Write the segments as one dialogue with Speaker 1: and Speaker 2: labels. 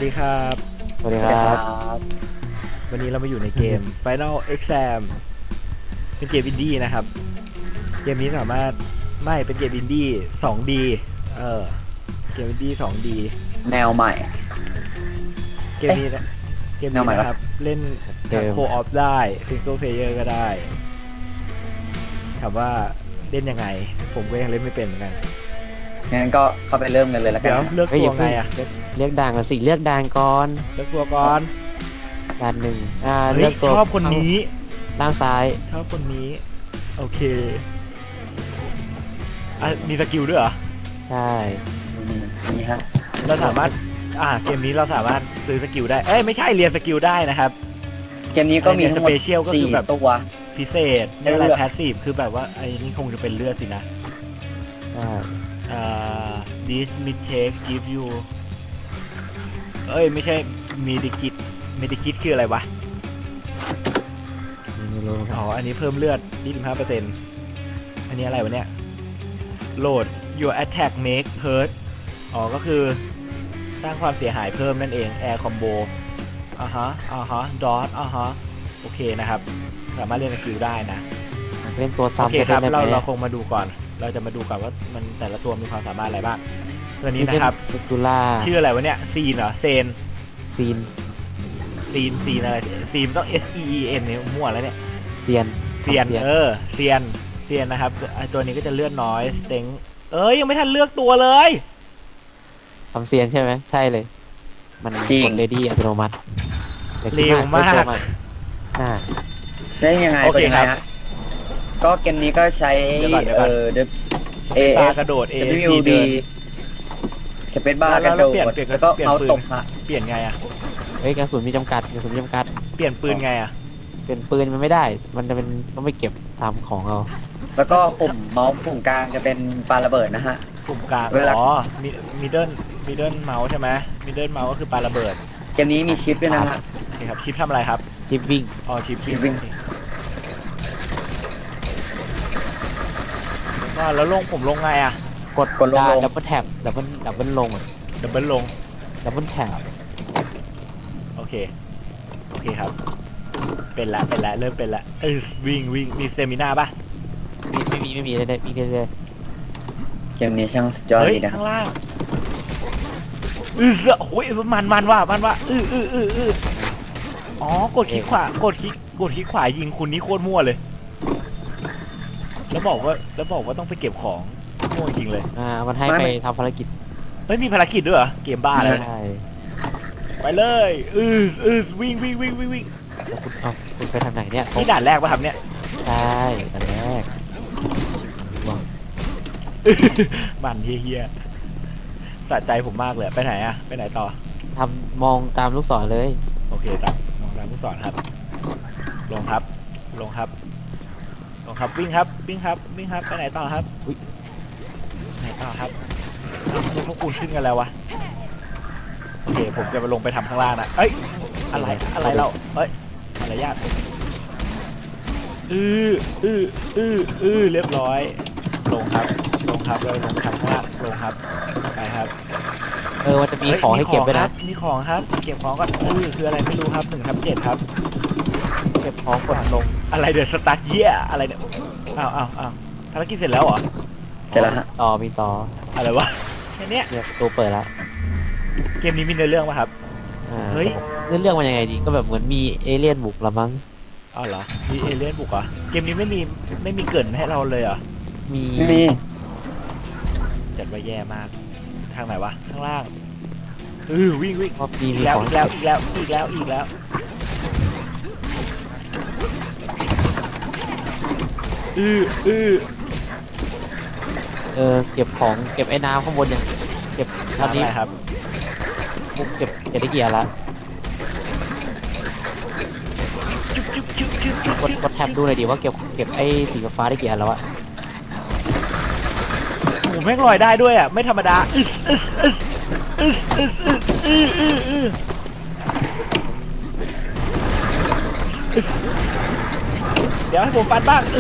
Speaker 1: ดีครับ
Speaker 2: สวัสดี
Speaker 3: สวัสดีครั
Speaker 2: ครับ
Speaker 3: บ
Speaker 1: วันนี้เรามาอยู่ในเกม Final Exam เป็นเกมอินดี้นะครับเกมนี้สามารถไม่เป็นเกมอินดี้ 2D เกมอินดี้ 2D
Speaker 3: แนวใหม่
Speaker 1: เกมนี้นะเกม
Speaker 3: แน
Speaker 1: นี้
Speaker 3: วใหม่ปะ
Speaker 1: นะครับเล่นทั้งโคออฟได้ซิงเกิลเพลเยอร์ก็ได้ถามว่าเล่นยังไงผมก็ยังเล่นไม่เป็นเหมือนกัน
Speaker 3: งั้นก็เข้าไปเริ่มกันเลยแล้วกั
Speaker 1: เดี๋
Speaker 3: น
Speaker 1: ยว
Speaker 3: นะ
Speaker 1: เลือก
Speaker 2: เฮ้ย
Speaker 1: ตั
Speaker 2: อย่าว
Speaker 1: ไง
Speaker 2: เพิ่ง
Speaker 1: อะ
Speaker 2: เลือกด่างก่อนสิเลือกด่างก่อน
Speaker 1: เลือกตัวก่อน
Speaker 2: ด่านหนึ่ง
Speaker 1: เฮ้
Speaker 2: เลือย กตัว
Speaker 1: ชอบคนนี้
Speaker 2: ล่างซ้าย
Speaker 1: ชอบคนนี้โอเคมีสกิลด้วยเหรอ
Speaker 2: ใช่
Speaker 3: นี่ฮะ
Speaker 1: เราสามารถเกมนี้เราสามารถซื้อสกิลได้ เอ้ยไม่ใช่เรียนสกิลได้นะครับ
Speaker 3: เกมนี้ก็มีทั้งหมด
Speaker 1: Special ก็คือ
Speaker 3: สี่
Speaker 1: แบบ
Speaker 3: ตัว
Speaker 1: พิเศษไม่อะไร
Speaker 3: เลือก
Speaker 1: แพสซีฟคือแบบว่าไอ้นี่คงจะเป็นเลือดสินะ
Speaker 2: ใช่
Speaker 1: this mid take give you เอ้ยไม่ใช่ medikit medikit คืออะไรวะ
Speaker 2: ไม่รู้ครับ
Speaker 1: อ๋ออันนี้เพิ่มเลือด 25%อันนี้อะไรวะเนี่ย load your attack make hurt อ๋อก็คือสร้างความเสียหายเพิ่มนั่นเอง air combo dot โอเคนะครับ สามารถเล่นสกิลได้นะ
Speaker 2: เล่นตัว
Speaker 1: โอ
Speaker 2: ซ้ำ
Speaker 1: เค
Speaker 2: จะ
Speaker 1: ค
Speaker 2: ได้
Speaker 1: รับ
Speaker 2: ไหม
Speaker 1: เราคงมาดูก่อน เราจะมาดูก่อนว่ามันแต่ละตัวมีความสามารถอะไรบ้างตัวนี้นะครับ
Speaker 2: ดูล่า
Speaker 1: ชื่ออะไรวะเนี่ยซีนเหรอเซน
Speaker 2: ซีน
Speaker 1: ซีนอะไรซีนต้อง S E E N เนี่ยมั่วแล้วเนี่ย
Speaker 2: เซียน
Speaker 1: เซียนเซียนนะครับตัวนี้ก็จะเลือดน้อยสเต็งยังไม่ทันเลือกตัวเลย
Speaker 2: ทำเซียนใช่ไหมใช่เลย มันกดเลดี้อัตโนมัติดี๋ย
Speaker 1: เร็วมาก
Speaker 2: เลือตัวอ่า
Speaker 3: ได้ยังไง
Speaker 1: โอเค
Speaker 3: เป็นยังไง
Speaker 1: ครับ
Speaker 3: ฮะก็เกมนี้ก็ใช้
Speaker 1: เดี๋ยวก่อน
Speaker 3: A
Speaker 1: ปา
Speaker 3: S
Speaker 1: กระโดด A
Speaker 3: W
Speaker 1: D
Speaker 3: D สเปซบาร์กระโดด
Speaker 1: เปลี่ยน
Speaker 3: แล้วก็
Speaker 1: เปลี่ยน
Speaker 3: เมาส์
Speaker 1: ปืน
Speaker 3: ตบฮะ
Speaker 1: เปลี่ยนไงอะ
Speaker 2: เฮ้ยกระสุนมีจำกัดกระสุนมีจำกัด
Speaker 1: เปลี่ยนปืนไงอะ
Speaker 2: เป็นปืนมันไม่ได้ มันจะเป็นต้องไปเก็บตามของเรา
Speaker 3: แล้วก็ปุ่มเมาส์ปุ่มกลางจะเป็นปาระเบิดนะฮะ
Speaker 1: ปุ่มกลาง
Speaker 3: เวลา
Speaker 1: มิดเดิลเมาส์ใช่ไหมมิดเดิลเมาส์ก็คือปาระเบิด
Speaker 3: เกมนี้มีชิปด้วยนะฮะ
Speaker 1: โอเคครับชิปทำอะไรครับ
Speaker 2: ชิปวิ่ง
Speaker 1: อ๋อชิป
Speaker 3: ชิปวิ่ง
Speaker 1: ก็แล้วผมลงไงอะ
Speaker 2: กดได้ดับเบิลแท็บดับเบิลลง
Speaker 1: ดับเบิลลง
Speaker 2: ดับเบิลแท็บ
Speaker 1: โอเคครับ เป็นละเริ่มเป็นละวิ่งมีสเตมิน่าป่ะ
Speaker 2: ไม่มีได้วิ่งได้
Speaker 3: เกมนี้ช่างสุดยอด
Speaker 1: เฮ้ย
Speaker 3: ดีนะครับ
Speaker 1: ข้างล่างโอ้ยมันว่าอ๋อกดคลิกขวากดคลิกขวายิงคุณนี่โคตรมั่วเลย แล้วบอกว่าต้องไปเก็บของมั่วจริงเลย
Speaker 2: มันให้ไปทำภารกิจ
Speaker 1: เฮ้ยมีภารกิจด้วยเหรอเกมบ้าแล้ว
Speaker 2: ใช่
Speaker 1: ไปเลยวิ่ง
Speaker 2: แล้วคุณไปทางไหนเนี่ย
Speaker 1: นี่ด่านแรกป่ะครับเนี่ย
Speaker 2: ใช่อันแรก
Speaker 1: มันเฮียๆสะใจผมมากเลยไปไหนอะไปไหนต่อ
Speaker 2: ทำมองตามลูกศรเลย
Speaker 1: โอเคครับมองตามผู้สอนครับ ลงครับวิ่งครับไปไหนต่อครับไหนต่อครับพวกคุณขึ้นกันแล้ววะโอเคผมจะมาลงไปทำข้างล่างนะเอ้ยอะไรเราอะไรยากเรียบร้อยลงครับเราลงทำข้างล่างลงครับไปครับ
Speaker 2: มันจะมีของให้เก็บด้วยนะ
Speaker 1: มีของครับเก็บของก่อนคืออะไรไม่รู้ครับ1/7ครับ
Speaker 2: เก็บของกดลง
Speaker 1: อะไรเดือดสตาร์ทเยี่ยอะไรเนี่ยอ้าวภารกิจเสร็จแล้วเหรอ
Speaker 3: เสร็จแล้วฮะ
Speaker 2: มีต่อ
Speaker 1: อะไรวะแค่เนี้ย
Speaker 2: เนี่ยประตูเปิดแล้ว
Speaker 1: เกมนี้มีเนื้อเรื่องป่ะครับ เฮ้ย
Speaker 2: เรื่องมันยังไงดีก็แบบเหมือนมีเอเลี่ยนบุกละมั้ง
Speaker 1: อ๋อเหรอมีเอเลี่ยนบุกเหรอเกมนี้ไม่มีเกรินให้เราเลยเหรอ
Speaker 2: มี
Speaker 3: ไม่มี
Speaker 1: จัดไว้แย่มากทางไหนวะข้างล่างวิ่ง
Speaker 2: ก็มี
Speaker 1: อีกแล้ว
Speaker 2: ของ
Speaker 1: อีกแล้ว
Speaker 2: เก็บของเก็บไอ้น้ำข้างบนอย่างเก็บตอนนี้
Speaker 1: อะไรครับ
Speaker 2: ปุ๊บเก็บได้กี่อันละกดแท็บดูหน่อยดิว่าเก็บไอ้สีฟ้าได้กี่อันแล้วอะ
Speaker 1: โอ้แม่งลอยได้ด้วยอ่ะไม่ธรรมดาเดี๋ยวให้ผมปันบ้าง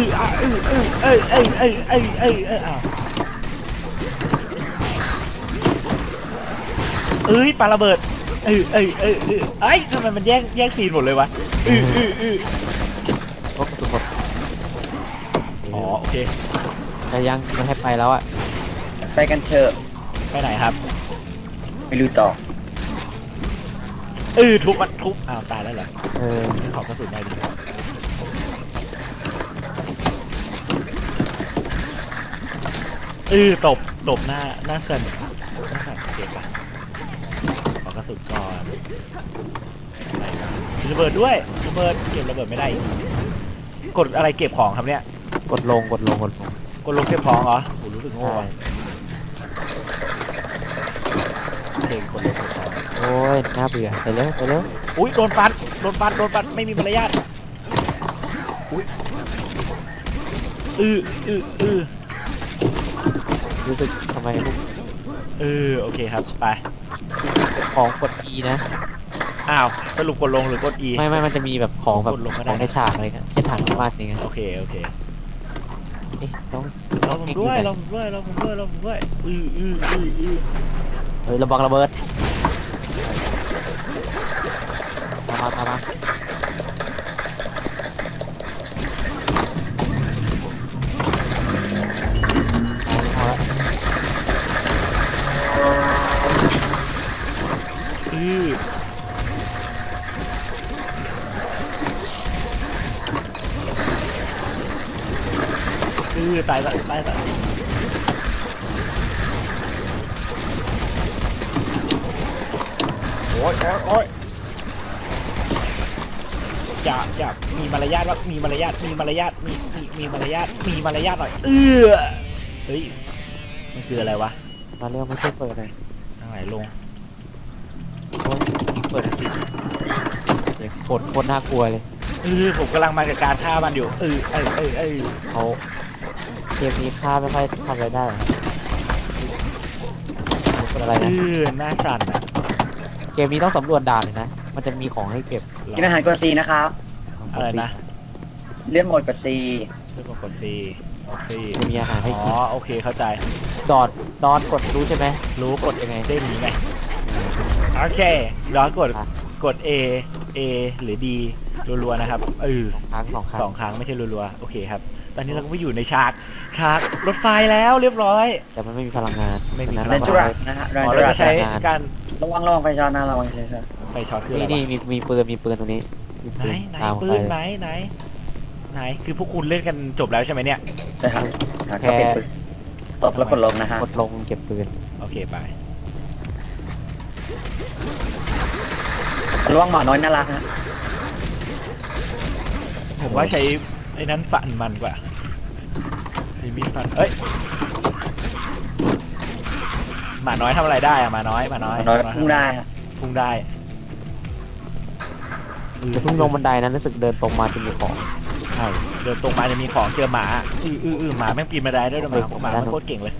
Speaker 1: ปาระเบิดเอ้ยทำไมมันแย่งซีนหมดเลยวะ
Speaker 2: โอ้กระสุนหมด
Speaker 1: อ๋อโอเค
Speaker 2: แต่ยังมันให้ไปแล้วอะ
Speaker 3: ไปกันเถอะ
Speaker 1: ไปไหนครับ
Speaker 3: ไปดูต่อ
Speaker 1: ทุบมันทุบอ้าวตายแล้วเหรอ
Speaker 2: เออ
Speaker 1: ขอกระสุนหน่อยดิตบหน้าเกินเก็บปะขอกระสุนก่อนระเบิดด้วยระเบิดเก็บระเบิดไม่ได้อีกกดอะไรเก็บของครับเนี่ย
Speaker 2: กดลง
Speaker 1: กดลงเก็บของเหรอโหรู้สึกโง่
Speaker 2: ใช่
Speaker 1: อะเก่งกดลงเก็บของ
Speaker 2: โอ้ยน่าเบื่อไปเร็วไปเร็ว
Speaker 1: อุ้ยโดนปัดไม่มีมารยาทอุ้ยอือ
Speaker 2: รู้สึกทำไมพวก
Speaker 1: โอเคครับไป
Speaker 2: ของกด E นะ
Speaker 1: อ้าวสรุปกดลงหรือกด E
Speaker 2: ไม่มันจะมีแบบของแบบ
Speaker 1: กดลงก็ได้
Speaker 2: ของในฉากอะไรเงี้ยเช่นฐานพม่าอย่างเงี้ย
Speaker 1: โอเค
Speaker 2: เอ๊ะต้อง
Speaker 1: ลองผมด้วย
Speaker 2: เฮ้ยระวังระเบิดตามมาเอาละ
Speaker 1: ตายโอ้ยอย่ามีมารยาทว่ามีมารยาทมีมารยาทหน่อยเฮ้ยมันคืออะไรวะ
Speaker 2: มาเร็วไม่ช่วยเปิดเลย
Speaker 1: ทางไหนลง
Speaker 2: โอ้ยเปิดสิเสียงโคตรน่ากลัวเลย
Speaker 1: ผมกำลังมากับการฆ่ามันอยู่
Speaker 2: เขาเกมนี้ฆ่าไม่ค่อยทำอะไรได้หรอกเป็นอะไรนะ
Speaker 1: หน้าสั่นอ่ะ
Speaker 2: เกมนี้ต้องสำรวจด่านเลยนะ มันจะมีของให้เก็บ
Speaker 3: กินอาหารกด C นะครับ
Speaker 1: อะไรนะ
Speaker 3: เลื่อนโหมดกด C
Speaker 1: เรื่องกด C
Speaker 2: จะมีอาหารให้
Speaker 1: อ๋อ
Speaker 2: กิน
Speaker 1: โอเคเข้าใจ
Speaker 2: ดอนกดรู้ใช่ไหม
Speaker 1: รู้กดยังไงได้หนีไงโอเคย้อนกด A หรือ D รัวๆนะครับ
Speaker 2: สองครั้ง
Speaker 1: สองครั้งไม่ใช่รัวๆโอเคครับตอนนี้เราก็ไปอยู่ในฉากรถไฟแล้วเรียบร้อย
Speaker 2: แต่มันไม่มีพลังงาน
Speaker 1: ไม่มี
Speaker 2: นั้น
Speaker 3: เรน
Speaker 2: เรา
Speaker 3: จู
Speaker 2: ก็
Speaker 3: รักนะฮะเรน
Speaker 1: อ๋อ
Speaker 3: จู
Speaker 1: เรา
Speaker 3: รั
Speaker 1: จะ
Speaker 3: ก
Speaker 1: ใช้การ
Speaker 3: ระวังไฟช็อตนะระวังไฟช็อต
Speaker 1: ไปช็อตคืออะไร
Speaker 2: นี่
Speaker 1: วะ
Speaker 2: มีปืนตรงนี้มี
Speaker 1: ไหน
Speaker 2: ปืน
Speaker 1: ปืน
Speaker 2: ตาม
Speaker 1: ไหนคือพวกคุณเล่นกันจบแล้วใช่ไหมเนี่ย
Speaker 3: นะครับก็เป็นปืนตบแล้วกดลงนะฮะ
Speaker 2: กดลงเก็บปืน
Speaker 1: โอเคไป
Speaker 3: ระวังหมาน้อยน่ารักฮะ
Speaker 1: ผมว่าใช้ไอ้นั้นปั่นมันกว่ามีมีดฟันหมาน้อยทำอะไรได้อะหมาน้อย
Speaker 3: หมาน้อยพุ่งได้ฮะ
Speaker 1: พุ่งได้
Speaker 2: จะเพิ่งลงบันไดนั้นรู้สึกเดินตรงมาจะมีของ
Speaker 1: ใช่เดินตรงมาจะมีของเจอหมาหมาแม่งปีนมาได้ด้วยหมามันโคตรเก่งเลย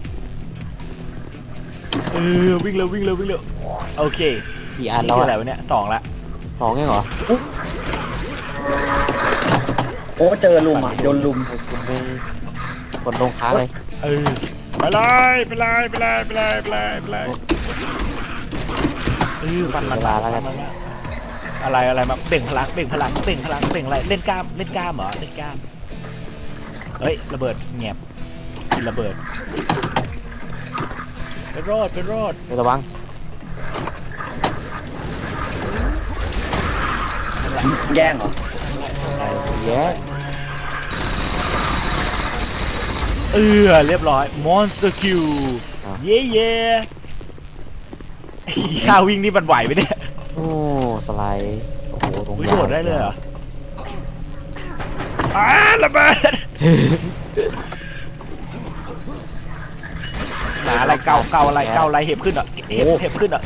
Speaker 1: วิ่งเร็วโอเค
Speaker 2: กี่อัน
Speaker 1: นี่
Speaker 2: แล้ว
Speaker 1: คืออะไร
Speaker 2: อะ
Speaker 1: วะเนี่ย2ละ
Speaker 2: 2เองเหรอ
Speaker 3: โอ้เจอลุมอ่ะโดนลุม
Speaker 2: คุณไม่กดลงค้างเลย
Speaker 1: ไปเลยฟันมันอะไรมาเบ่งพลังอะไรเล่นกล้ามเหรอเล่นกล้ามเฮ้ยระเบิดเงียบระเบิดไปโรด
Speaker 2: เดี๋ยวระวัง
Speaker 3: แย่งเหรอ
Speaker 2: แย่
Speaker 1: เรียบร้อย Monster Q เย่ข้าวิ่งนี่มันไหวไหมเนี่ย
Speaker 2: โอ้สไลด์โอ้โหตรง
Speaker 1: โดดได้เลยเหรอระเบิดหนาอะไรเก่าอะไรเห็บขึ้นเหรอเห็บขึ้นเหรอ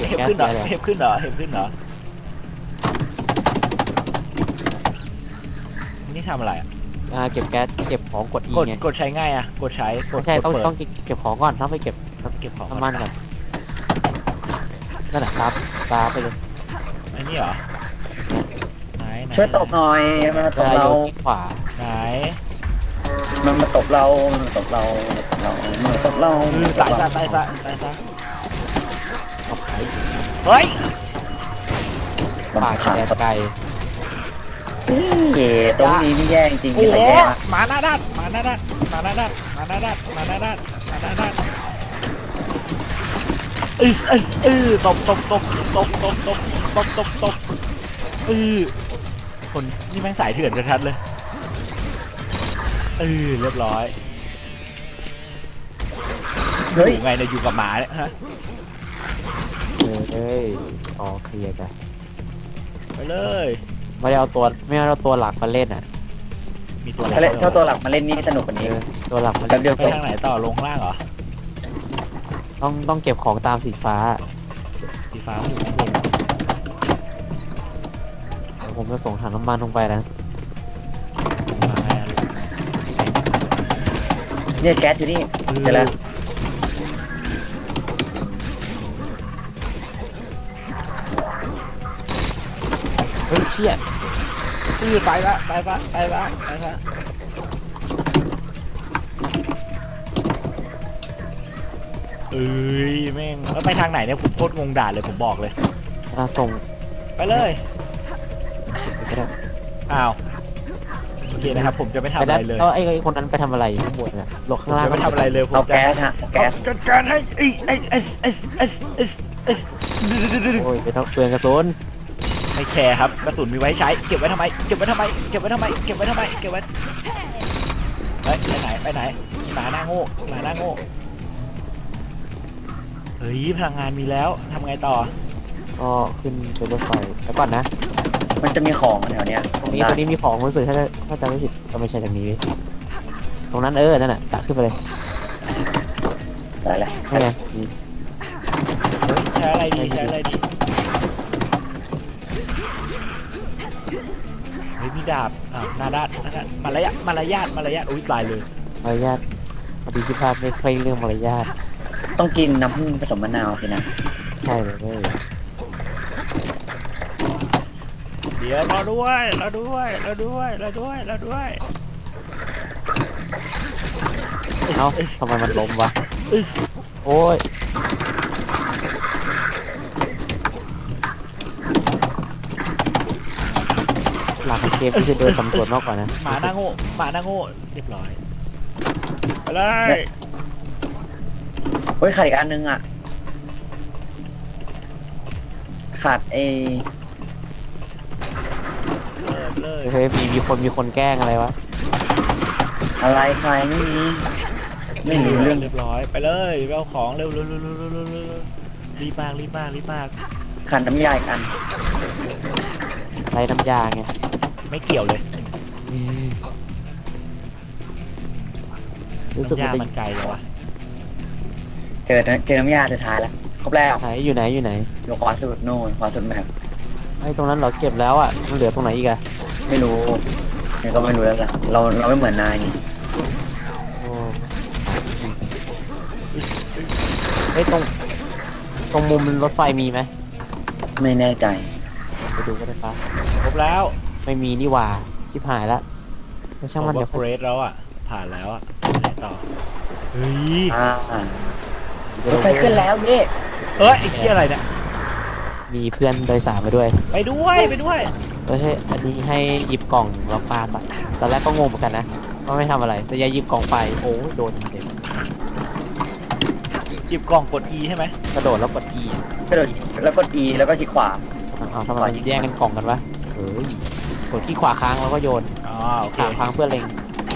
Speaker 1: นี่ทำอะไรอ่ะ
Speaker 2: เก็บแก๊สเก็บของกด E ไง
Speaker 1: กดใช้ง่ายอ่ะกดใช้กด
Speaker 2: ไม่ใช่ต้อง
Speaker 1: เปิด
Speaker 2: เก็บของก่อนต้องไปเก็บ
Speaker 1: เก็บของ
Speaker 2: น้ำมันก่อนนั่นแหละครับตาไปเลย
Speaker 1: ไอ้นี่เหรอไหน
Speaker 3: ช่วยตบหน่อยมันมาตบเรา
Speaker 2: ขวา
Speaker 1: ไหน
Speaker 3: มันมาตบเรา
Speaker 1: ตายซะเฮ้ย
Speaker 3: ลำ
Speaker 2: ป่า
Speaker 3: ขา
Speaker 2: แด
Speaker 3: ด
Speaker 2: นไกล
Speaker 3: นี่ตรงนี้นี่แย่จริงๆ
Speaker 1: โอ้
Speaker 3: มี
Speaker 1: โห
Speaker 3: ใครแย่มะ
Speaker 1: หมาหน้าด้านหมาหน้าด้านหมาหน้าด้านหมาหน้าด้านหมาหน้าด้านหมาหน้าด้านตบคนนี่แม่งสายเถื่อนชัดๆเลยเรียบร้อย
Speaker 3: เฮ้ย
Speaker 1: อยู่ไงเนี่ยอยู่กับหมาเนี่ยฮะ
Speaker 2: เอ้ยอ๋อเคลียร์กัน
Speaker 1: ไปเลย
Speaker 2: ไม่ได้เอาตัวหลักมาเล่นอ่ะ
Speaker 1: มีตัวอะไร
Speaker 3: ถ้าตัวหลักมาเล่นนี่สนุกกว่านี้
Speaker 2: ตัวหลักมัน
Speaker 3: แป๊บเดียว
Speaker 1: ไป
Speaker 3: จบ
Speaker 1: ทางไหนต่อลงข้างล่างเหรอ
Speaker 2: ต้องเก็บของตามสีฟ้า
Speaker 1: สีฟ้าหูข้างบน
Speaker 2: เดี๋ยวผมจะส่งถังน้ำมันลงไปนะ
Speaker 1: มาไงอะลูก
Speaker 3: เนี่ยแก๊สอยู่นี่เจอแล้ว
Speaker 2: เฮ้ยเชี่ย
Speaker 1: ไปละแม่งแล้วไปทางไหนเนี่ยผมโคตรงงด่านเลยผมบอกเลย
Speaker 2: ส่ง
Speaker 1: ไปเลย
Speaker 2: ไปได้
Speaker 1: อ้าวโอเคนะครับผมจะไม่ทำ
Speaker 2: ไป
Speaker 1: อะ
Speaker 2: ได้
Speaker 1: ไรเลย
Speaker 2: แล้วไอ้คนนั้นไปทำอะไรอยู่ข้างบนเนี่ยหลบ
Speaker 1: ผ
Speaker 2: ข้าม งล่าง
Speaker 1: จะไม่ทำอะไรเลยผม
Speaker 3: เอา
Speaker 1: จะ
Speaker 3: แก๊สฮะเอาแก๊ส
Speaker 1: จัดการให้
Speaker 2: โอ้ยไปทำเปลืองกระสุน
Speaker 1: ไม่แคร์ครับกระสุนมีไว้ใช้เก็บไว้ทำไมเก็บไว้ไปไหนหมาหน้าโง่เฮ้ยพลังงานมีแล้วทำไงต่อ
Speaker 2: ก็ขึ้นไปรถไฟแล้วก่อนนะ
Speaker 3: มันจะมีของแถวเนี้ย
Speaker 2: ตรงนี้มีของรู้สึกถ้าจำไม่ผิดก็ไม่ใช่จากนี้ตรงนั้นนั่นน่ะตักขึ้นไปเลย
Speaker 3: ได้แล้ว
Speaker 2: นี่ไงมี
Speaker 1: เฮ้ยใช้อะไรดีเฮ้ยมีดาบหน้าด้านมารยาทอุ้ยตายเลย
Speaker 2: มารยาทพอดีที่พลาดไม่เคร่งเรื่องมารยาท
Speaker 3: ต้องกินน้ำผึ้งผสมมะนาวสินะ
Speaker 2: ใช่เลยเว้ย
Speaker 1: เดี๋ยวรอด้วยเ
Speaker 2: เอ้าทำไมมันล้มวะ
Speaker 1: อ้ย
Speaker 2: โอ้ยหลักเกมที่จะเดินสำรวจมากกว่านะ
Speaker 1: หมาหน้าโง่เรียบร้อยไปเลย
Speaker 3: เฮ้ยขาดอีกอันนึงอ่ะขาด
Speaker 1: เลย
Speaker 2: เฮ้ยมีคนแกล้งอะไรวะ
Speaker 3: อะไรใครไม่มีไม่รู้เรื่อง
Speaker 1: เรียบร้อยไปเลยไปเอาของเร็วรีบมาก
Speaker 3: ขาดน้ำยาอีกอัน
Speaker 2: ไรน้ำยาไง
Speaker 1: ไม่เกี่ยวเลย
Speaker 2: รู้สึก
Speaker 1: น้ำ
Speaker 2: มัน
Speaker 1: ยามันไกลเลยวะ
Speaker 3: เจอน้ำยาสุดท้ายแล้วครบแล้ว
Speaker 2: ไหนอยู่ไหน
Speaker 3: อยู่ขวาสุดโน่นขวาสุดแมพ
Speaker 2: ไอ้ตรงนั้นเราเก็บแล้วอ่ะมันเหลือตรงไหนอีกอะ
Speaker 3: ไม่รู้เนี่ยก็ไม่รู้แล้วล่ะเราไม่เหมือนนายนี่
Speaker 2: โอ้เฮ้ยตรงมุมรถไฟมีไหม
Speaker 3: ไม่แน่ใจ
Speaker 2: ไปดูก็ได้ปะ
Speaker 1: ครบแล้ว
Speaker 2: ไม่มีนี่หว่าชิบหายละไม่ช่างมัน
Speaker 1: ผ
Speaker 2: เดี๋ยว
Speaker 1: ว่าเกรดแล้วอ่ะผ่านแล้วอ่ะไหนต่อเฮ้ย
Speaker 3: รถไฟขึ้นแล้วเย่
Speaker 1: เอ้ยไอ้เหี้ยอะไรเนี่ย
Speaker 2: มีเพื่อนโดยสารมาด้วย
Speaker 1: ไปด้วย
Speaker 2: เฮ้ยอันนี้ให้หยิบกล่องแล้วปาใส่ตอนแรกก็งงเหมือนกันนะว่าไม่ทำอะไรแต่ยายหยิบกล่องไปโอ้โดนเต็ม
Speaker 1: หยิบกล่องกด E ใช่ไหม
Speaker 2: กระโดดแล้วกด E
Speaker 3: กระโดดแล้วกด E แล้วก็คลิกขวา
Speaker 2: เอาทำไมมันแย่งกันกล่องกันวะเฮ้ยกดขี้ขวาค้างแล้วก็โยน
Speaker 1: อ๋อโอเค
Speaker 2: ขาค้างเพื่อเล็ง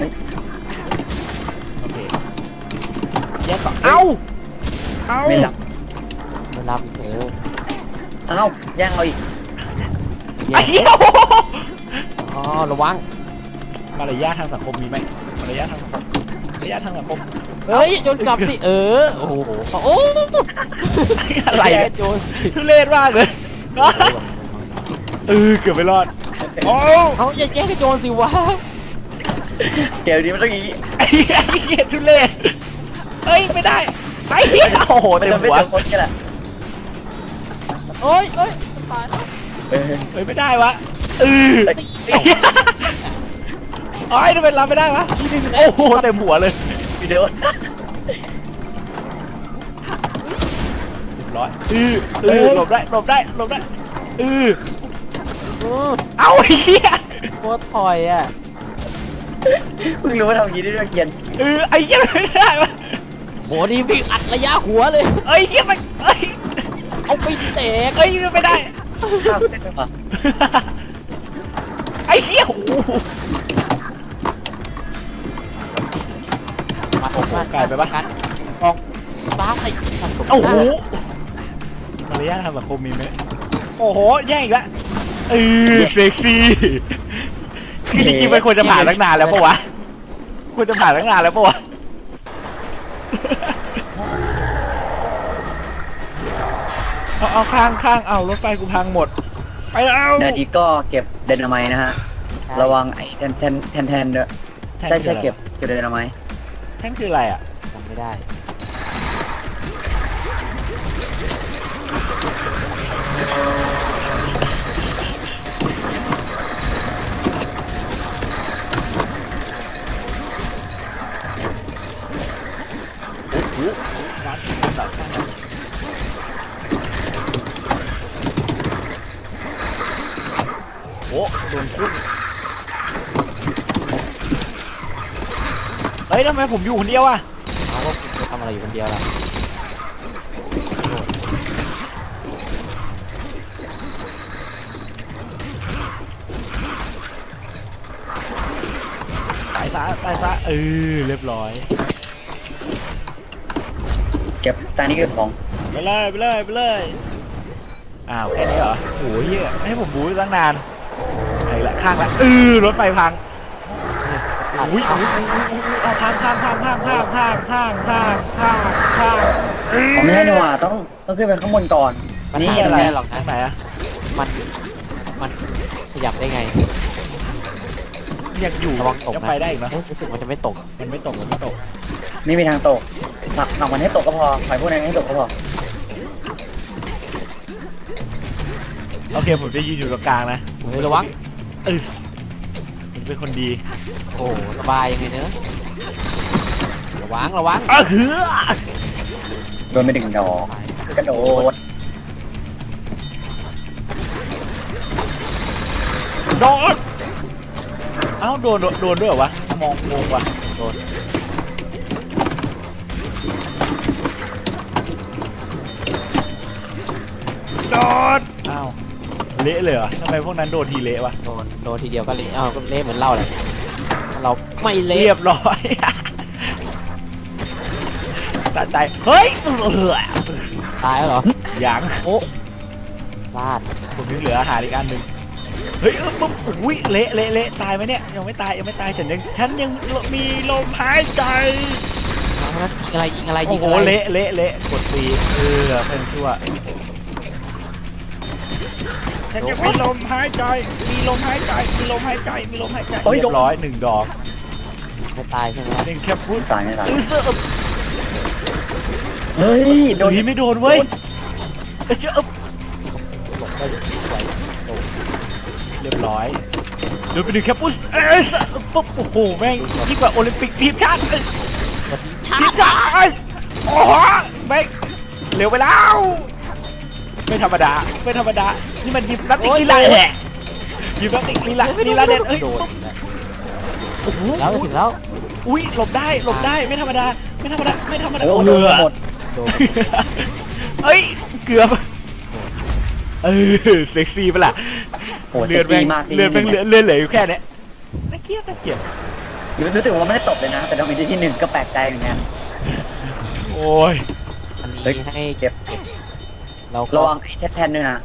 Speaker 1: โอเคแยกต่อเอ้า
Speaker 3: ไม่หลับ
Speaker 2: ไม่รับเออ
Speaker 3: เอ้าย่างเอาอีก
Speaker 1: ไอ้
Speaker 2: แย่ง
Speaker 1: เหี้ย
Speaker 2: อ๋อระวัง
Speaker 1: มารยาททางสังคมมีไหมมารยาททางสังคม
Speaker 2: เฮ้ยโยนกลับสิโอ้โหโอ้
Speaker 1: อะไร
Speaker 2: แย่
Speaker 1: เนี่ย
Speaker 2: งโยนสิ
Speaker 1: ทุเรศมากเลยเกือบไม่รอดโอ้
Speaker 2: เอาอย่าแย่งกันโยนสิวะ
Speaker 3: เกมนี้มันต้องอย่างนี้
Speaker 1: ไอ้เหี้ยทุเรศเฮ้ยไม่ได้ไอ้เหี้ยโอ้โห
Speaker 3: มัน
Speaker 1: เต็ม
Speaker 3: จะไม่
Speaker 1: หัว
Speaker 3: เจอคนกันแหละ
Speaker 2: โอ้ยตายแล้ว
Speaker 3: เออ
Speaker 1: เฮ้ยไม่ได้วะโอ้ยทำไมรับไม่ได้วะโอ้โหเต็มหัวเลย
Speaker 3: วิดีโอ
Speaker 1: เรียบร้อยหลบได้
Speaker 2: โอ้
Speaker 1: เอ้าไอ้เหี้ย
Speaker 2: โคตรถอยอ่ะ
Speaker 3: เพิ่งรู้ว่าทำอย่างนี้ได้ด้วยเกียน
Speaker 1: ไอ้เหี้ยไม่ได้วะ
Speaker 2: โหนี่วิ่งอัดระยะหัวเลย
Speaker 1: เอ้ยเหี้ยมันเอ้ย
Speaker 2: เอาไปเตะ
Speaker 1: เอ้ยไม่ได้
Speaker 3: ข้ามได้ไหมวะ
Speaker 1: ไอ้เหี้ยโอ้โห
Speaker 2: มาผมมา
Speaker 1: ไกลไปปะ
Speaker 2: กันออกฟ้าใส่สันสม
Speaker 1: โอ้โห
Speaker 2: ได้
Speaker 1: มารยาททางสังคมมีไหมโอ้โหแย่งอีกแล้วเซ็กซี่คือจริงๆมันควรจะผ่านตั้งนานแล้วปะวะควรจะผ่านตั้งนานแล้วปะวะเอาข้างเอารถไฟกูพังหมดไปแล้ว
Speaker 3: เดี๋ยวนี้ก็เก็บไดนาไมต์นะฮะระวังไอ้แทนด้วยใช่เก็บไดนาไมต์
Speaker 1: แท่นคืออะไรอ่ะ
Speaker 2: จำไม่ได้
Speaker 1: วัดเสาข้างโอ้โดนพุ่งเฮ้ยทำไมผมอยู่คนเดียวอ่ะ
Speaker 2: เอาว่าคุณจะทำอะไรอยู่คนเดียวล่ะ
Speaker 1: ตายซะเรียบร้อย
Speaker 3: เก็บตานี้เก็บของ
Speaker 1: ไปเลยอ้าวแค่นี้เหรอโอ้ยเหี้ยให้ผมบู๊ตั้งนานไอ้ละข้างละรถไฟพัง
Speaker 2: อัด
Speaker 1: อุ้ย
Speaker 2: เอา
Speaker 1: เอาพัง
Speaker 3: ผมไม่ใช่หนูอ่ะต้องขึ้นไปข้างบนก่อน
Speaker 2: มัน
Speaker 3: นี่
Speaker 2: นี่
Speaker 3: ตรง
Speaker 2: ไม่
Speaker 3: นี้
Speaker 2: ได้หรอก
Speaker 1: ทา
Speaker 2: นะ
Speaker 1: งไหนอะ
Speaker 2: มันขยับได้ไง
Speaker 1: อยากอยู่
Speaker 2: ระวังตก
Speaker 1: จะ
Speaker 2: นะ
Speaker 1: ไปได้อีกเนอะ
Speaker 2: เอ๊ะรู้สึกมันจะไม่ตก
Speaker 1: มันไม่ตก
Speaker 3: ไม่มีทางตกผลักมันให้ตกก็พอปล่อยพวกนั้นให้ตกก็พอ
Speaker 1: โอเคผมจะยืนอยู่ตรงกลางนะ
Speaker 2: เฮ้ยระวัง
Speaker 1: ผมเป็นคนดี
Speaker 2: โอ้โหสบายยังไงเนอะระวัง
Speaker 1: เฮือ
Speaker 3: โดนไปดึงดอกกระโดด
Speaker 1: โดนเอ้าโดนด้วยเหรอวะมองงงว่ะ
Speaker 2: โดน
Speaker 1: โดนอ้าวเละเลยเหรอทำไมพวกนั้นโดนทีเละวะ
Speaker 2: โดนทีเดียวก็เละก็เละเหมือนเราแหละเราไม่เละ
Speaker 1: เรียบร้อย ตัดใจเฮ้ย
Speaker 2: ตายแล้วเหรอ
Speaker 1: ยัง
Speaker 2: โอ้พลาด
Speaker 1: ผมยังเหลืออาหารอีกอันหนึ่งเฮ้ยปุ๊บอุ้ยเละตายไหมเนี่ยยังไม่ตายฉันยังมีลมหายใจ
Speaker 2: เอาละยิงอะไร
Speaker 1: โอ้โหเละกดตีเป็นชั่วฉันยังมีลมหายใจเรียบร้อย1 ดอก
Speaker 2: ไม่ตายใช่ไหมล่ะ
Speaker 1: 1แค่พูด
Speaker 3: ตายไม่ตาย
Speaker 1: เสื้อ
Speaker 3: เฮ้ยโด
Speaker 1: โด
Speaker 3: น
Speaker 1: นไม่โดนเว้ยเจ้า
Speaker 2: หลบได้ไหวโดน
Speaker 1: เรียบร้อยโดนไป1แค่พูดปุ๊บโอ้โหแม่งยิ่งกว่าโอลิมปิกทีมชาติ
Speaker 2: กด
Speaker 1: ทีมชาติโอ้โหแม่งเร็วไปแล้วไม่ธรรมดานี่มันยิมนักติกลีลาแหละยิมนักติกลีลาเด็ดเอ้ย
Speaker 2: โดน
Speaker 1: โอ้โห
Speaker 2: แล้วถึงแล้ว
Speaker 1: อุ้ยหลบได้ไม่ธรรมดา
Speaker 3: โอ้โห
Speaker 1: เรือ
Speaker 3: หมด
Speaker 2: โดน
Speaker 1: เอ้ยเกือบเซ็กซี่ปะล่ะ
Speaker 3: โหเซ็กซี่มาก
Speaker 1: เลือดแม่งเหลืออยู่แค่เนี้ยน่าเกลียด
Speaker 3: รู้สึกว่าไม่ได้ตบเลยนะ แต่ตอนเป็นที่หนึ่งก็แปลกใจเหมือนกัน
Speaker 1: โอ้ย
Speaker 2: อัน
Speaker 3: เฮ้ย
Speaker 2: นี้ให้
Speaker 3: เก็บ
Speaker 2: เราก็
Speaker 3: ระวังไอ้แทนด้วยนะ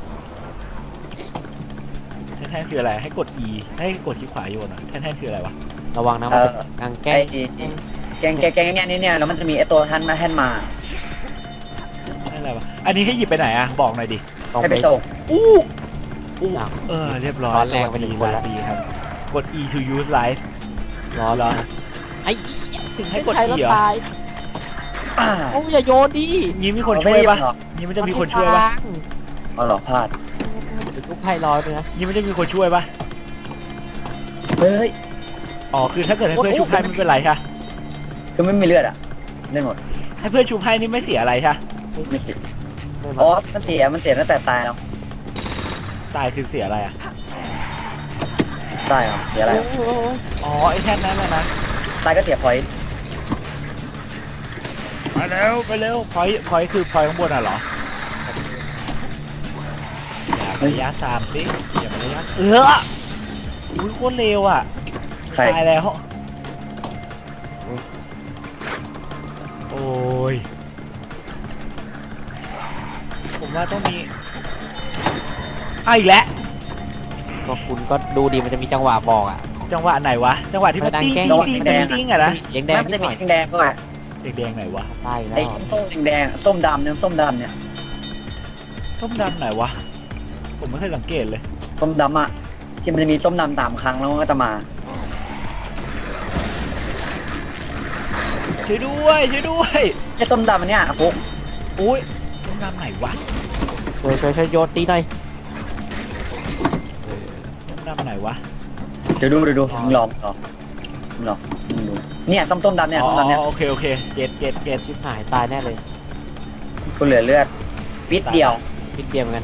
Speaker 1: แท่นคืออะไรให้กด E ให้กดคลิกขวาโยนอ่ะแท่นคืออะไรวะ
Speaker 2: ระวังนะมันเป็นกางแก้
Speaker 3: ไอ้แกงเนี่ยแล้วมันจะมีไอ้ตัวท่านมา
Speaker 1: นั่นอะไรวะอันนี้ให้หยิบไปไหนอ่ะบอกหน่อยดิ
Speaker 2: ต้อง
Speaker 3: ให้
Speaker 2: ไป
Speaker 3: ไปส่ง
Speaker 1: อู้
Speaker 2: อ้าว
Speaker 1: เรียบร้อย
Speaker 2: ร้อนแรงไปหนึ่งคนละ
Speaker 1: ดีครับกด E to use life
Speaker 2: ร้อน
Speaker 1: รอ
Speaker 2: ไอ้ถึง
Speaker 1: ให้
Speaker 2: เส้น
Speaker 1: กด
Speaker 2: ชัยแล้ว
Speaker 1: E เหรอ
Speaker 2: ตายโอ้อย่าโยนดิ
Speaker 1: งี้มีคนช่วยปะ
Speaker 3: เหรอ
Speaker 1: งี้มันจะมีคนช่วยปะ
Speaker 3: เอาหรอพลาด
Speaker 2: เป็นลูกไพ่ร้อยเลยนะ
Speaker 1: งี้มันจะมีคนช่วยปะ
Speaker 3: เฮ้ย
Speaker 1: อ๋อคือถ้าเกิดให้เพื่อนชุบให้ไม่เป็นไรใช่
Speaker 3: คือไม่มีเลือดอ่ะได้หมด
Speaker 1: ให้เพื่อนชุบให้นี่ไม่เสียอะไรใช่
Speaker 3: ไม่เสีย
Speaker 2: ไม่
Speaker 3: อ๋อ
Speaker 2: มา
Speaker 3: มันเสียตั้งแต่ตายแล้ว
Speaker 1: ตายคือเสียอะไรอ่ะ
Speaker 3: ได้เหรอเสียอะไรเหรอ
Speaker 1: อ๋อไอ้แท่นนั้นแหละนะ
Speaker 3: ตายก็เสียพอยต์
Speaker 1: ไปเร็วไปเร็วพอยคือพอยข้างบนอ่ะเหรออย่าไประยะสามสิอย่าไประยะอุ้ยโคตรเร็วอ่ะ
Speaker 3: ใคร
Speaker 1: ตายแล้วโอ้ยผมว่าต้องมีอีกแล้ว
Speaker 2: ก็คุณก็ดูดิมันจะมีจังหวะบอกอ่ะ
Speaker 1: จังหวะไหนวะจังหวะที่มัน
Speaker 2: ดัง
Speaker 1: ติ้ง
Speaker 2: แกล้ง
Speaker 1: ติ้งติ้งติ้งติ้งอะนะ
Speaker 2: มีเสียงแดง
Speaker 3: มัน
Speaker 2: นิ
Speaker 3: จะ
Speaker 2: ดห
Speaker 3: มี
Speaker 2: น่อย
Speaker 3: แดงๆด้วย
Speaker 1: เด็กแดงไหนวะ
Speaker 2: ตายแล้ว
Speaker 3: ไอ้ส้มๆแดงๆส้มดำเนี่ยส้มดำเนี่ย
Speaker 1: ต้มดำไหนวะผมไม่เคยสังเกตเลย
Speaker 3: ส้มดำอ่ะที่มันจะมีส้มดำ3 ครั้งแล้วมันก็จะมา
Speaker 1: ช่วยด้วยช่วยด้วย
Speaker 3: ไอ้ส้มดำอันเนี้ยฟุก
Speaker 1: อุ้ยต้มดำไหนวะ
Speaker 2: ช่วยโยนตีหน่อย
Speaker 1: ต้มดำไหนวะ
Speaker 3: เดี๋ยวดูมึงลองมึงดูเนี่ยส้มดำเนี่ย
Speaker 1: อ๋
Speaker 3: ส้มดำเนี่ย
Speaker 1: อโอเคเกต
Speaker 2: ชิบหายตายแน่เลย
Speaker 3: กูเหลือเลือดปิดเดียว
Speaker 2: พิดเดียวเหมือนกัน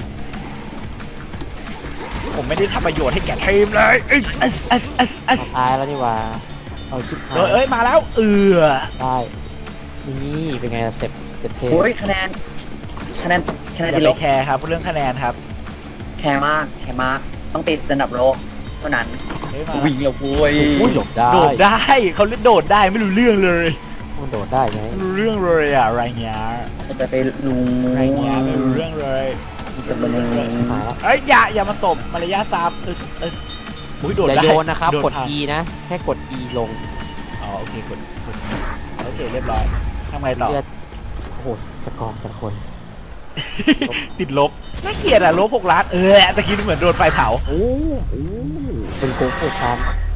Speaker 1: ผมไม่ได้ทำประโยชน์ให้แก่ทีมเลย
Speaker 2: เอาตายแล้วนี่หว่าเอาชิบหาย
Speaker 1: เอ้ยมาแล้ว
Speaker 2: ได้นี่เป็นไงล่ะเสร็จเท
Speaker 3: โอ้ยคะแนน
Speaker 1: อย่า
Speaker 3: ติด
Speaker 1: ไป
Speaker 3: ลบ
Speaker 1: แคร์ครับเรื่องคะแนนครับ
Speaker 3: แคร์มากต้องติดระดับโลกเท่านั้น
Speaker 1: เฮ้ยมา
Speaker 3: วิ่งแล้วโว้ย
Speaker 2: อุ้ยหลบได้
Speaker 1: โดดได้เขาเล่นโดดได้ไม่รู้เรื่องเลย
Speaker 2: มันโดดได้ไง
Speaker 1: ไม่รู้เรื่องเลยอะอะไรเงี้ย
Speaker 3: จะไปลุง
Speaker 1: อะไรเงี้ยไม่รู้เรื่องเลย
Speaker 3: จะไปลุง
Speaker 2: หายแล้ว
Speaker 1: เอ้ยอย่ามาตบมารยาทตามอุ้ยโดด
Speaker 2: อย่า
Speaker 1: ได้
Speaker 2: โยนนะครับ
Speaker 1: โด
Speaker 2: กด
Speaker 1: ผ่าน
Speaker 2: E นะ แค่กด E ลง
Speaker 1: อ๋อโอเคกดโอเคเรียบร้อยทำไงต่อ
Speaker 2: เลือดโอ้โหสกอร์แต่ละคน
Speaker 1: ติดลบน่าเกลียดอะลบ6 ล้านตะกี้เหมือนโดนไฟเผา
Speaker 2: โอ้โหเป็นโกงโคชัน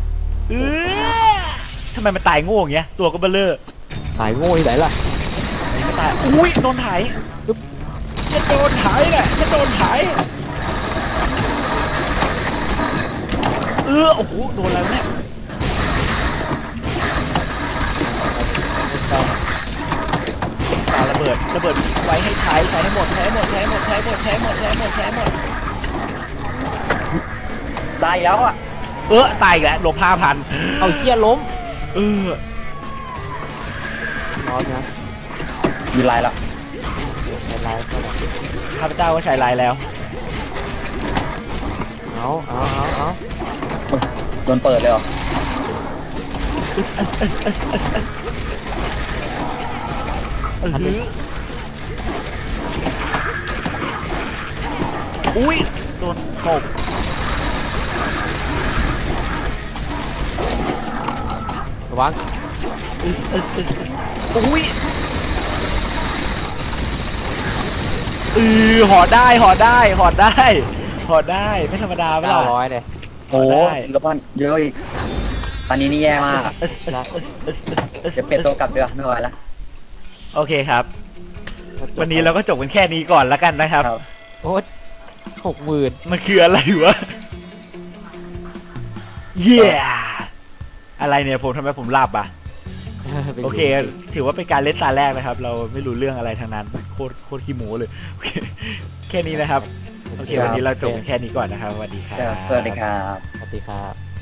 Speaker 1: ทำไมมันตายโง่อย่างเงี้ยตัวก็เบลเลอร์
Speaker 2: หายโง่ที่ไหนล่ะ
Speaker 1: ไม่ตายอุ้ยโดนไถจะโดนไถแหละจะโดนไถโอ้โหโดนแล้วเนี่ยปาระเบิดไว้ให้ใช้ให้หมด
Speaker 3: ตายแล้วอ่ะ
Speaker 1: ตายอีกแล้วลบ5,000
Speaker 2: เอาเชี่ยล้ม
Speaker 1: เออ
Speaker 2: ร้อนนะ
Speaker 3: มีลายแล้ว
Speaker 2: ใช้ไลฟ์ก็ได้
Speaker 1: ข้าพเจ้าก็ใช้ไลน์แล้ว
Speaker 2: เอา
Speaker 3: โดนเปิดเลยเหรอ
Speaker 1: อุ้ยโดนตบ
Speaker 2: ระวัง
Speaker 1: อุ้ยหอได้ไม่ธรรมดาไม่หรอ
Speaker 2: 900เลย
Speaker 3: โอ้
Speaker 1: ได้
Speaker 3: ลบพันเยอะอีกตอนนี้นี่แย่มากอะเดี๋ยวเปลี่ยนตัวกลับเดี๋ยวไม่ไหวละ
Speaker 1: โอเคครับ วันนี้เราก็จบกันแค่นี้ก่อนแล้วกันนะครับ
Speaker 3: ครับ
Speaker 2: โอ้60,000
Speaker 1: มันคืออะไรวะ เย้อะไรเนี่ยทำไมผมหลับอ่ะ โอเค ถือว่าเป็นการเล่นตาแรกนะครับ เราไม่รู้เรื่องอะไรทั้งนั้นโคตรขี้หมูเลยโอเคแค่นี้นะครับ โอเค วันนี้เราจบกันแค่นี้ก่อนนะครับสวัสดีครับ
Speaker 3: สวัสดีครับ
Speaker 2: สวัสดีครับ